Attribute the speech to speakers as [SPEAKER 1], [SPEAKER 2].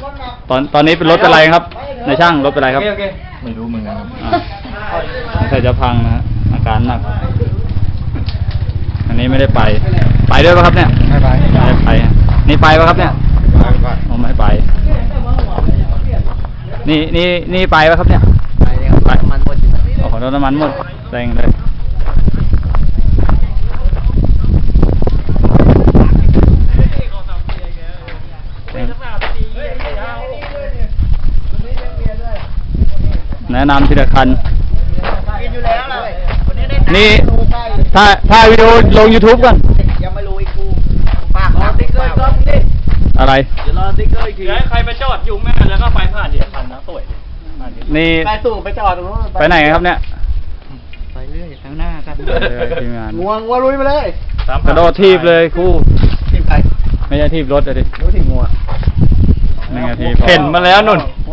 [SPEAKER 1] ตอนนี้เป็นรถอะไรครับในช่างรถเป็นอะไรครับ
[SPEAKER 2] โอเคไม่รู้มึงนะ
[SPEAKER 1] ใส่จะพังนะฮะอาการหนักอันนี้ไม่ได้ไปด้วยป่ะครับเนี่ยไม่ได้ไปนี่ไปป่ะครับเนี่ยผมไม่ไปนี่ไปป่ะครับเนี่ยไปเลยครับน้ำมันหมดโอ้โหน้ำมันหมดแรงเลยแนะนำทีละคันนี่ถ้าวิดีโอลง YouTube ก่อน
[SPEAKER 3] ยังไม่รู้อีกกูปากรอติ๊กเกอร์ก็ดิ
[SPEAKER 1] อะไร
[SPEAKER 3] เดี๋ยวรอติ๊กเกอร์อีกที
[SPEAKER 2] ใครไปจอดยุ่งแม่แล้วก็ไปผ่านเดียพันนะสวย
[SPEAKER 1] นี่
[SPEAKER 3] ไปสูงไปจอดตรงนู้น
[SPEAKER 1] ไปไหนครับเนี่ย
[SPEAKER 3] ไปเรื่อยข้างหน้าครับ
[SPEAKER 1] ทีมงาน
[SPEAKER 3] งวงว่าลุยไปเลย
[SPEAKER 1] กระโดดทีบเลยคู่
[SPEAKER 3] ทีบไป
[SPEAKER 1] ไม่ใช่ทีบรถเลยดิ
[SPEAKER 3] รู้ทีงัว
[SPEAKER 1] 1 นาที
[SPEAKER 2] เห็นมาแล้วนุ่น